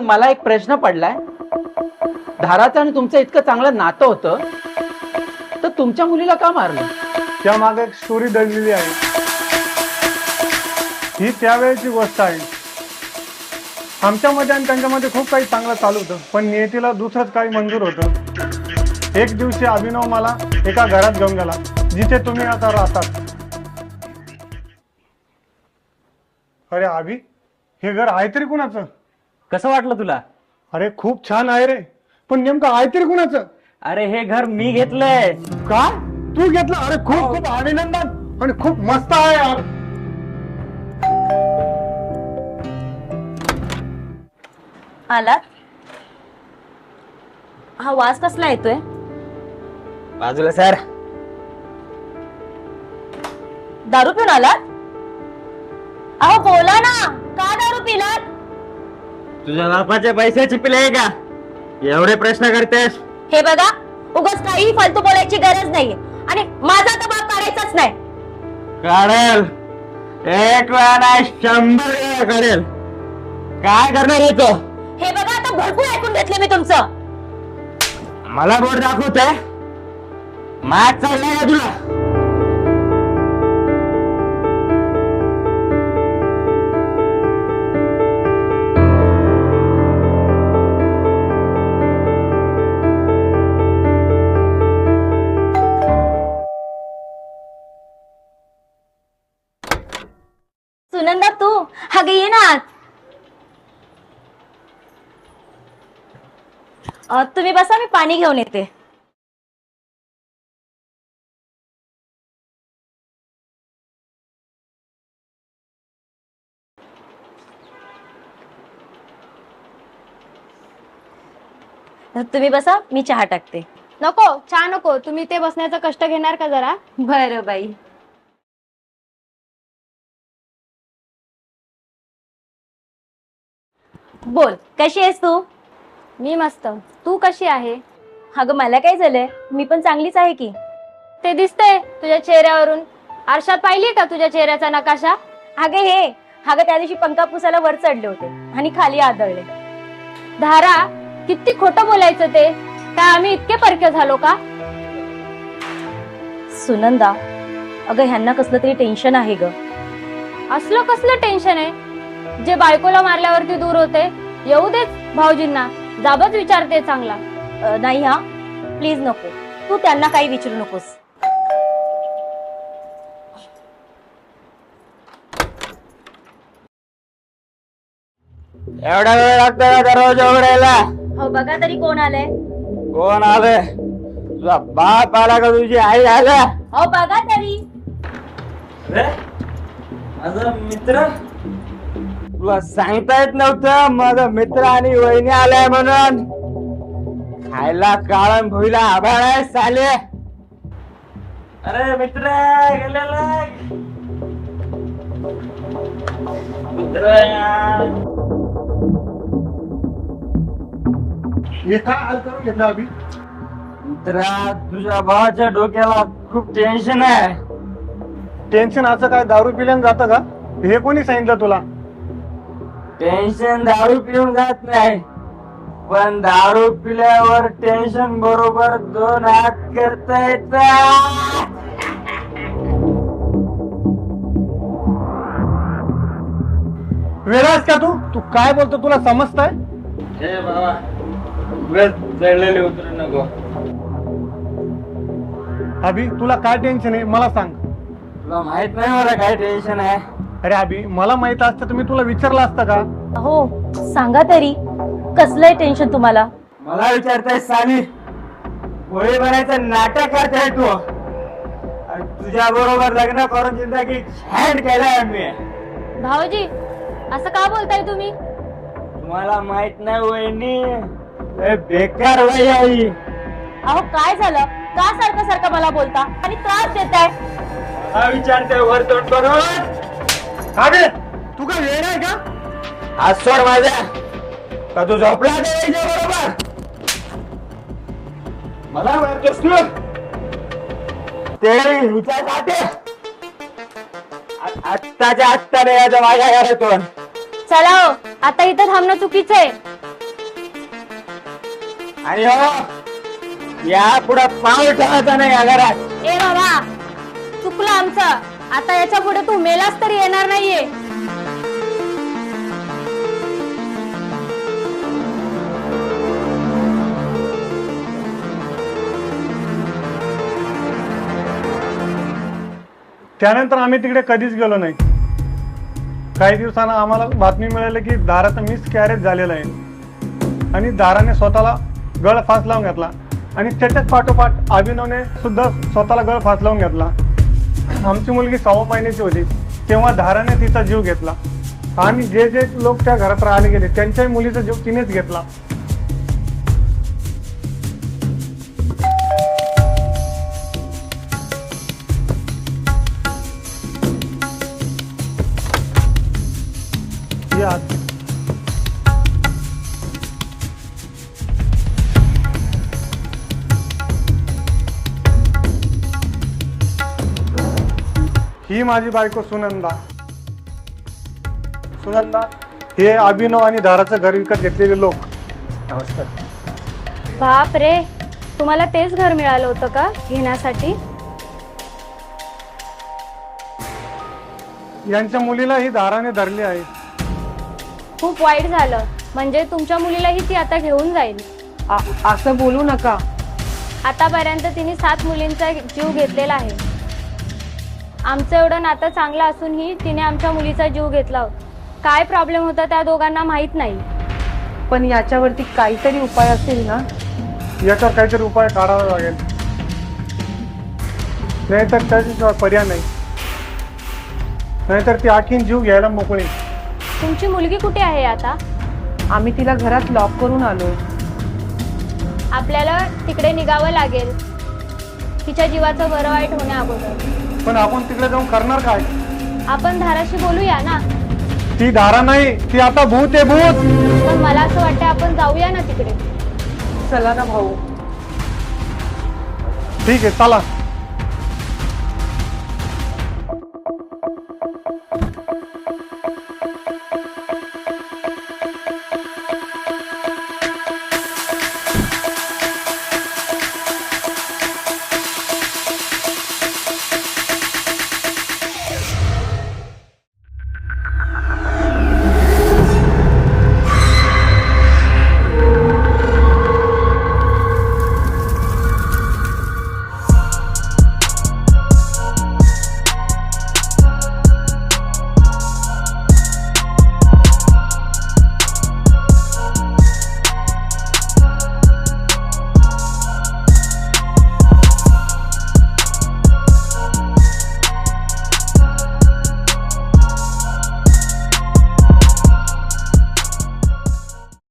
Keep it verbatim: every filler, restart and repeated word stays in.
मला एक प्रश्न पडलाय, धाराचं आणि तुमचं इतकं चांगलं नातं होतं, तर तुमच्या मुलीला का मारलं? त्या मागे एक स्टोरी दडलेली आहे. ही त्यावेळेची गोष्ट आहे. आमच्यामध्ये आणि त्यांच्यामध्ये खूप काही चांगलं चालू होतं, पण नियतीला दुसरंच काही मंजूर होतं. एक दिवशी अभिनव मला एका घरात घेऊन गेला, जिथे तुम्ही आता राहतात. अरे अभि, हे घर आहे तरी कुणाचं? कसं वाटलं तुला? अरे खूप छान आहे रे, पण नेमकं आहे तरी कुणाचं? अरे हे घर मी घेतलंय. काय तू घेतलं? अरे खूप खूप अभिनंदन आणि खूप मस्त आहे यार. आलात? हा वास कसला येतोय? बाजूला सर. दारू पिऊन आलात? अहो बोला ना, का दारू पिलात? तुझ्या बापाचे पैसे चिपले का? एवढे प्रश्न करतेस? हे बघा, उगाच काही फालतू बोलायची गरज नाहीये आणि माझा तर बाप काढायचाच नाही. काढेल. एक वेळा नाही, शंभर वेळा काढेल. काय करणार येतो? हे बघा, आता भरपूर ऐकून घेतले मी तुमचं. मला बोट दाखवते? मात चाललाय का तुला? सुनंदा तू अगं ये ना आत. अ, तुम्ही बसा, मी पाणी घेऊन येते. तुम्ही बसा, मी चहा टाकते. नको, चहा नको. तुम्ही ते बसण्याचा कष्ट घेणार का जरा? बरं बाई. बोल, कशी आहेस तू? मी मस्त. तू कशी आहे? अगं मला काय झालंय, मी पण चांगलीच आहे की. ते दिसतंय तुझ्या चेहऱ्यावरून. आरशात पाहिली का तुझ्या चेहऱ्याचा नकाशा? अगं हे अगं त्या दिवशी पंखा पुसायला वर चढले होते आणि खाली आदळले. धारा, किती खोटं बोलायचं ते. काय आम्ही इतके परके झालो का? सुनंदा, अगं ह्यांना कसलं तरी टेन्शन आहे ग. असलं कसलं टेन्शन आहे जे बायकोला मारल्यावरती दूर होते? येऊ देत भाऊजींना, जाबच विचारते चांगला. अ, नाही हा, प्लीज नको, तू त्यांना काही विचारू नकोस. एवढा वेळ लागतो का दरवाजा उघडायला? हो बघा तरी कोण आलंय. कोण आले? तुझा बाप आला का तुझी आई आला? हो बघा तरी. अरे माझा मित्र, तुला सांगता येत नव्हतं माझा मित्र आणि वहिनी आलाय म्हणून? खायला काळण भुईला आभाळ आहे साले. अरे मित्र गेलेला मित्र. हे काय हाल करून घेतला अभि? मित्रा, तुझ्या भावाच्या डोक्याला खूप टेन्शन आहे. टेन्शन असं काय दारू पिल्यानं जातं का? हे कोणी सांगितलं तुला? टेन्शन दारू पिऊन जात नाही, पण दारू पिल्यावर टेन्शन बरोबर दोन हात करता येतात. वेळास का तू? तू काय बोलतो तुला समजतंय? हे बाबा, उगाच चढलेले उतरू नको. अभि, तुला काय टेन्शन आहे मला सांग. तुला माहित नाही मला काय टेन्शन आहे? अरे अभि, मला माहित असतं तर मी तुला विचारलं असतं का? हो सांगा तरी, कसलंय टेन्शन तुम्हाला? मला विचारताय साली, होळी बनायचं नाटक करताय तू? आणि तुझ्या बरोबर लग्न करून जिंदगी छान केलाय मी. भाऊजी, असं का बोलताय तुम्ही? तुम्हाला माहित नाही वहिनी, हे बेकार वय आई. अहो काय झालं, का सारखं सारखं मला बोलता आणि त्रास देताय? हा विचारते वर तोंड करून. अरे तू काय वेळ आहे का? आज सोड माझ्या, का तू झोपला बरोबर? मला मारतोस तू? ते विचारते आत्ताच्या आत्ता नाही याच्या माझ्या घरातून. चला हो, आता इथं थांबणं चुकीचं आहे. आणि हो या पुढे पाऊल ठेवायचं नाही या घरात. ए बाबा, चुकलं आमचं. आता याच्या पुढे तू मेलास तरी येणार नाहीये. त्यानंतर आम्ही तिकडे कधीच गेलो नाही. काही दिवसांना आम्हाला बातमी मिळाली की दाराचा मिस कॅरेज झालेला आहे आणि दाराने स्वतःला गळ फास लावून घेतला आणि त्याच्याच पाठोपाठ अभिनवने सुद्धा स्वतःला गळ फास लावून घेतला. आमची मुलगी सव्वा महिन्याची होती तेव्हा धाराने तिचा जीव घेतला आणि जे जे लोक त्या घरात राहिले गेले त्यांच्याही मुलीचा जीव तिनेच घेतला. या ही माझी बायको सुनंदा. सुनंदा हे अभिनव आणि धाराचं घर विकत घेतलेले लोक. नमस्कार. बाप रे, तुम्हाला तेच घर मिळालं होतं का घेण्यासाठी? यांच्या मुलीला ही धाराने धरली आहे. खूप वाईट झालं. म्हणजे तुमच्या मुलीलाही ती आता घेऊन जाईल. असं बोलू नका. आतापर्यंत तिने सात मुलींचा जीव घेतलेला आहे. आमचं एवढं नातं चांगलं असूनही तिने आमच्या मुलीचा जीव घेतला. काय प्रॉब्लेम होता त्या दोघांना माहित नाही. पण याच्यावरती काहीतरी उपाय असेल ना? याच्यावर काहीतरी उपाय काढावा लागेल, नाहीतर त्याच्याशिवाय पर्याय नाही. नाहीतर ती आखीन जीव घ्यायला मोकळी. तुमची मुलगी कुठे आहे आता? आम्ही तिला घरात लॉक करून आलो. आपल्याला तिकडे निघावं लागेल तिच्या जीवाचं बरं वाईट होण्या अगोदर. पण आपण तिकडे जाऊन करणार काय? आपण धाराशी बोलूया ना. ती धारा नाही, ती आता भूत आहे, भूत. पण मला असं वाटतं आपण जाऊया ना तिकडे. चला ना भाऊ. ठीक आहे, चला.